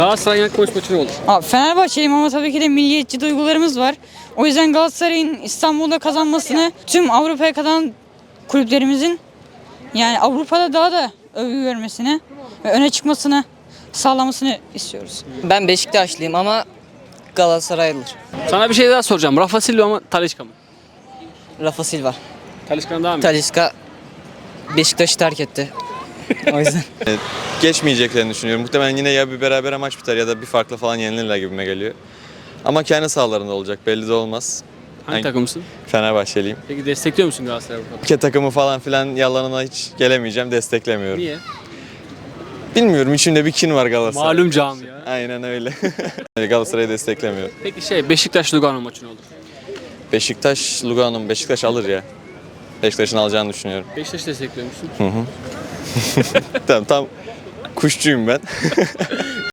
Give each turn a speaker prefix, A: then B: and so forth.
A: Galatasaray'ın ilk maçı ne olur?
B: Abi Fenerbahçeliyim ama tabii ki de milliyetçi duygularımız var. O yüzden Galatasaray'ın İstanbul'da kazanmasını, tüm Avrupa'ya kazanan kulüplerimizin yani Avrupa'da daha da övgü görmesini ve öne çıkmasını sağlamasını istiyoruz.
C: Ben Beşiktaşlıyım ama Galatasaraylıdır.
A: Sana bir şey daha soracağım. Rafa Silva mı Talisca mı?
C: Rafa Silva.
A: Talisca'dan daha mı?
C: Talisca Beşiktaş'ı terk etti. O yüzden.
D: Geçmeyeceklerini düşünüyorum. Muhtemelen yine ya bir berabere maç biter ya da bir farklı falan yenilirler gibime geliyor. Ama kendi sahalarında olacak, belli de olmaz.
A: Hangi takımsın?
D: Fenerbahçeliyim.
A: Peki destekliyor musun Galatasaray'ı bu
D: Ülke takımı falan filan yalanına hiç gelemeyeceğim, desteklemiyorum.
A: Niye?
D: Bilmiyorum, içimde bir kin var Galatasaray.
A: Malum camia.
D: Aynen öyle. Galatasaray'ı desteklemiyorum.
A: Peki Beşiktaş Lugano maçı ne olur?
D: Beşiktaş, Lugano, Beşiktaş alır ya. Beşiktaş'ın alacağını düşünüyorum.
A: Beşiktaş destekliyor musun?
D: Tam kuşçuyum ben.